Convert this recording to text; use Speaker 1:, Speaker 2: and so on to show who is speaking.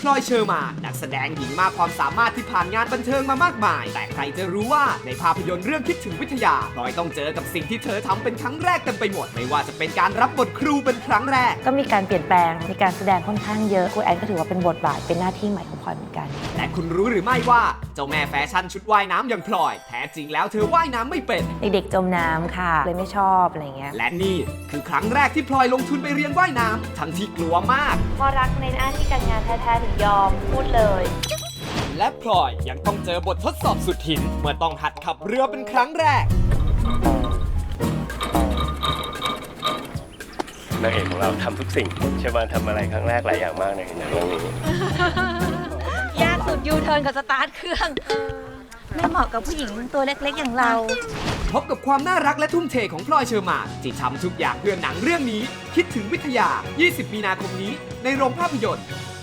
Speaker 1: ลอยเชอร์มานนักแสดงหญิงมากความสามารถที่ผ่านงานบันเทิงมามากมายแต่ใครจะรู้ว่าในภาพยนตร์เรื่องคิดถึงวิทยาพลอยต้องเจอกับสิ่งที่เธอทำเป็นครั้งแรกเต็มไปหมดไม่ว่าจะเป็นการรับบทครูเป็นครั้งแรก
Speaker 2: ก็มีการเปลี่ยนแปลงมีการแสดงค่อนข้างเยอะครูแอนก็ถือว่าเป็นบทบาทเป็นหน้าที่ใหม่ของพลอยเหมือนกัน
Speaker 1: แต่คุณรู้หรือไม่ว่าเจ้าแม่แฟชั่นชุดว่ายน้ำอย่างพลอยแท้จริงแล้วเธอว่ายน้ำไม่เป็น
Speaker 2: เด็กๆจมน้ำค่ะเลยไม่ชอบอะไรเงี้ย
Speaker 1: และนี่คือครั้งแรกที่พลอยลงทุนไปเรียนว่ายน้ำทั้งที่กลัวมาก
Speaker 2: พอรักในหน้าที่การงานแท้ๆถึงยอมพูดเลย
Speaker 1: และพลอยยังต้องเจอบททดสอบสุดหินเมื่อต้องหัดขับเรือเป็นครั้งแรก
Speaker 3: นางเอกของเราทำทุกสิ่งเชอร์มานทำอะไรครั้งแรกหลายอย่างมากในหนังเรื่องนี้
Speaker 2: ยากสุดยูเทิร์นกับสตาร์ทเครื่องไม่เหมาะกับผู้หญิงตัวเล็กๆอย่างเรา
Speaker 1: พบกับความน่ารักและทุ่มเทของพลอยเชอร์มานที่ทำทุกอย่างเพื่อหนังเรื่องนี้คิดถึงวิทยา 20 มีนาคมนี้ในโรงภาพยนตร์